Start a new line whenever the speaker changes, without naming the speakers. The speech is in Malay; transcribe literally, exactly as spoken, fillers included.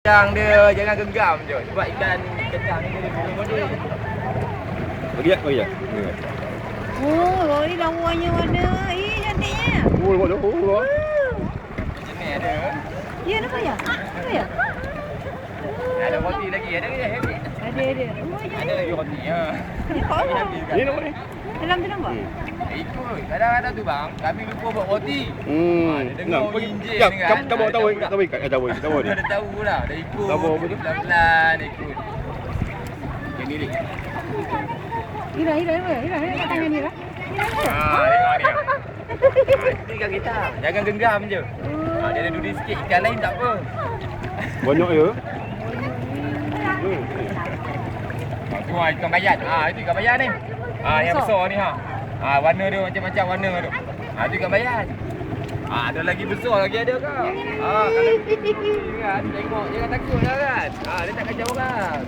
Kencang dia, jangan genggam je. Sebab ikan kencang ni dia dulu body.
Bagi tak? Bagi tak?
Oh, ni lawannya warna. Eh, cantiknya.
Oh, lepas tu. Oh,
Macam ni ada.
Ya, nampak ya? Nampak ya?
Ada roti lagi, ada ke? Ada.
Ada, ada. Oh,
Ada lagi roti. Ya.
Nampak apa?
ni nampak ni.
Dalam tu nampak?
Ikut. Kadang-kadang tu bang, kami lupa buat roti.
Hmm.
Ah, dia dengar
Nah,
injil
ya,
ni kan.
kamu kamu
Ah,
tahu,
dia
tahu ikat, tahu ikat, tahu
Dia
ikat. Tahu dia.
dah tahu lah, dah ikut.
Tahu apa tu?
Pelan-pelan ikut. Yang ni ni.
Ira, Ira, Ira. Ira, Ira kat tangan Ira.
Ah, tengok ni. Ah, itu ikan kita. Jangan genggam je. Ah, dia ada duri sikit, ikan lain tak apa.
Banyak ya.
Hmm. Ah, tu ah, ikan bayat. Ah, itu ikan bayat ni. Ah, yang besar ni ha. Ah, warna dia macam-macam warna tu. Ah, itu ikan bayat. Ah, ada lagi besar lagi ada ke? Ah, kalau kan tengok jangan takut lah kan. Ah, dia tak kacau orang.